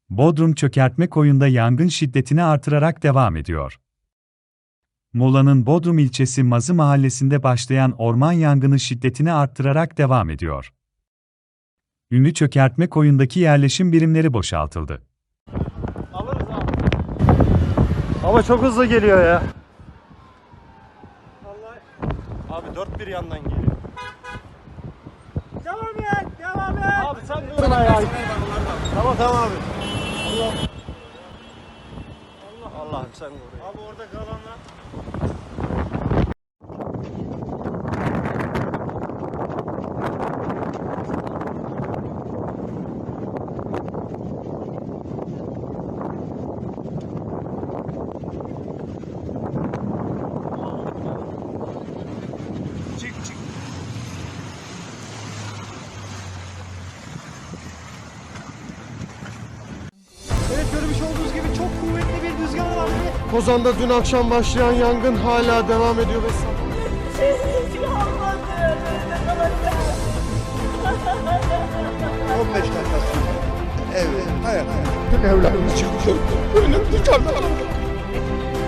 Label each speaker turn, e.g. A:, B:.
A: Bodrum Çökertmekoyu'nda yangın şiddetini artırarak devam ediyor. Muğla'nın Bodrum ilçesi Mazı mahallesinde başlayan orman yangını şiddetini arttırarak devam ediyor. Ünlü Çökertmekoyu'ndaki yerleşim birimleri boşaltıldı.
B: Alırız abi. Hava çok hızlı geliyor ya. Vallahi. Abi dört bir yandan geliyor. Devam et, devam et. Abi sen dur ya. Tamam abi. Allah'ım sen vur. Abi orada kalanlar. Çık. Evet, görmüş olduğunuz gibi çok kuvvetli bir rüzgar var. Kozan'da dün akşam başlayan yangın hala devam ediyor ve
C: 15 dakika sonra evde hayat. Evlerimiz çıkıyor. Önüm dışarıda.